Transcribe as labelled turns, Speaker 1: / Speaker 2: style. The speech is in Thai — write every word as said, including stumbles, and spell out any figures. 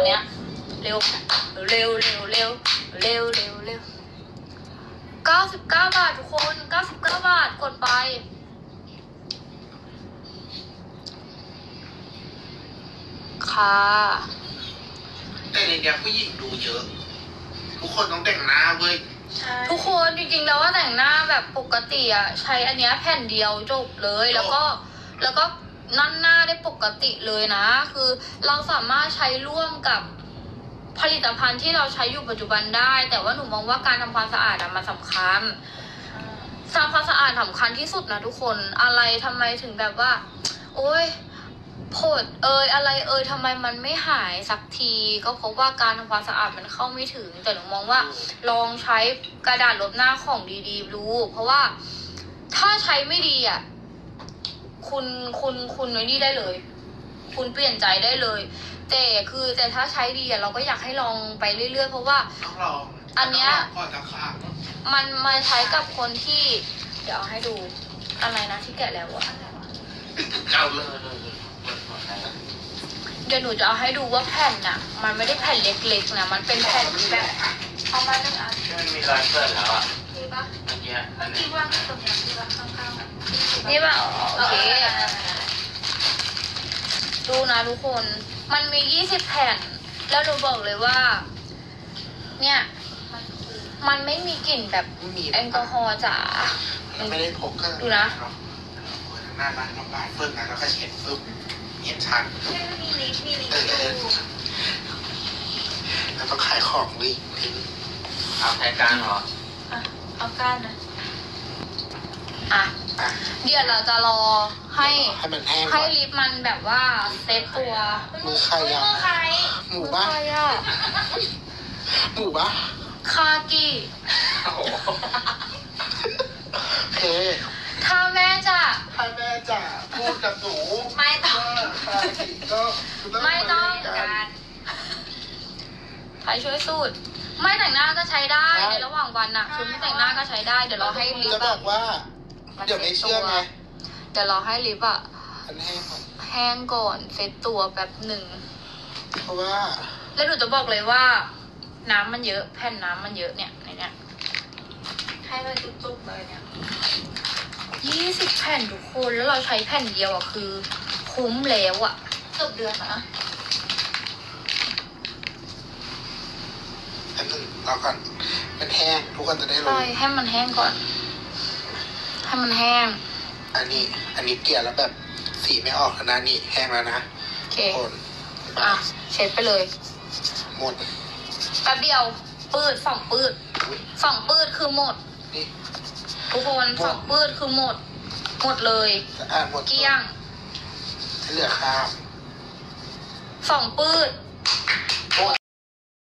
Speaker 1: เนี้ยเร็วเร็วเร็วเร็วเร็วเร็วเร็วเก้าสิบเก้าบาททุกคนเก้าสิบเก้าบาทกดไปค่ะ
Speaker 2: แต่ในเนี้ยผู้หญิงดูเยอะทุกคนต้องแต่งหน้าเว้ย
Speaker 1: ทุกคนจริงๆแล้วว่าแต่งหน้าแบบปกติอะใช้อันเนี้ยแผ่นเดียวจบเลยแล้วก็แล้วก็นั่นหน้าได้ปกติเลยนะคือเราสามารถใช้ร่วมกับผลิตภัณฑ์ที่เราใช้อยู่ปัจจุบันได้แต่ว่าหนูมองว่าการทำความสะอาดอะมันสำคัญทำความสะอาดสำคัญที่สุดนะทุกคนอะไรทำไมถึงแบบว่าโอ๊ยผดเอยอะไรเอยทำไมมันไม่หายสักทีก็เพราะว่าการทำความสะอาดมันเข้าไม่ถึงแต่หนูมองว่าลองใช้กระดาษลบหน้าของดีๆดูเพราะว่าถ้าใช้ไม่ดีอ่ะคุณคุณคุณไว้นี่ได้เลย คุณเปลี่ยนใจได้เลยแต่คือแต่ถ้าใช้ดีอ่ะเราก็อยากให้ลองไปเรื่อยๆเพราะว่า
Speaker 2: ต้องลอง
Speaker 1: อันเนี้ย
Speaker 2: ก่อนจะขาด
Speaker 1: มันมาใช้กับคนที่เดี๋ยวเอาให้ดูอะไรนะที่แกะแล้วอะ
Speaker 2: เอาเลย
Speaker 1: เดี๋ยวหนูจะเอาให้ดูว่าแผ่นน่ะมันไม่ได้แผ่นเล็กๆนะมันเป็นแผ่นแบบเอามาหนึ่งอัน
Speaker 3: ที่มันมีรอยเปื้อนแล้วอ่ะ
Speaker 1: นี่ปะ
Speaker 3: เมื่อกี้อันนี้
Speaker 1: ที่ว่างตรงนี้ที่ว่าข้างๆนี่ปะโอเคดูนะทุกคนมันมียี่สิบแผ่นแล้วหนูบอกเลยว่าเนี่ยมันไม่มีกลิ่นแบบแอลกอฮอล์จ๋า
Speaker 2: ไม่ได้พกก็
Speaker 1: ดูนะ
Speaker 2: หน้าบ้านน้ำบ้านเฟิร์นนะแล้วก็เช็ดฟึบเห็นชัน
Speaker 1: มีลิฟต์มีลิฟต์
Speaker 2: แล้วต้องขายของดิทิ้ง
Speaker 3: เอาแทนการเหรอ
Speaker 1: อ่ะเอาก้านนะอ่ะเดี๋ยวเราจะรอให้
Speaker 2: ให้มันแห้ง
Speaker 1: ให้ลิฟต์มันแบบว่าเซตตัว
Speaker 2: มือใครอ่ะหมูบ้าหมูบ้า
Speaker 1: คากิ
Speaker 2: โอเค
Speaker 1: ถ้าแม่จะ
Speaker 2: ถ้าแม่จะพูดกับหนู
Speaker 1: ไม่ต้อง
Speaker 2: ก็
Speaker 1: ไม่ต้องการใครช่วยสูตรไม่แต่งหน้าก็ใช้ได้ในระหว่างวันน่ะคือไม่แต่งหน้าก็ใช้ได้เดี๋ยวเราให้ลิฟต์
Speaker 2: จะบอกว่าเดี๋ยวไม่เชื่อไง
Speaker 1: เดี๋ยวเราให้ลิฟต์อ่ะ
Speaker 2: มันแห้งก่อน
Speaker 1: แห้งก่อนเซตตัวแบบหนึ่ง
Speaker 2: เพราะว่า
Speaker 1: แล้วหนูจะบอกเลยว่าน้ำมันเยอะแผ่นน้ำมันเยอะเนี่ยในเนี้ยให้เลยจุกๆเลยเนี่ยยี่สิบแผ่นทุกคนแล้วเราใช้แผ่นเดียวอ่ะคือคุ้มแล้วอ่ะเกือบเดือนนะ
Speaker 2: อันนึงรอก่อนมันแห้งทุกคนจะได้รู้
Speaker 1: ใช่ให้มันแห้งก่อนให้มันแห้ง
Speaker 2: อันนี้อันนี้เกลี่ยแล้วแบบสีไม่ออกนะนี่แห้งแล้วนะ
Speaker 1: โอเคอ่ะเช็ดไปเลย
Speaker 2: หมด
Speaker 1: แป๊บเดียวปืดสองปืดสองปืดคือหมดทุกคนสองปืดคือหมดหมดเลย
Speaker 2: อ่าหมด
Speaker 1: เกลี้ยง
Speaker 2: เหลือข้าว
Speaker 1: สองปืด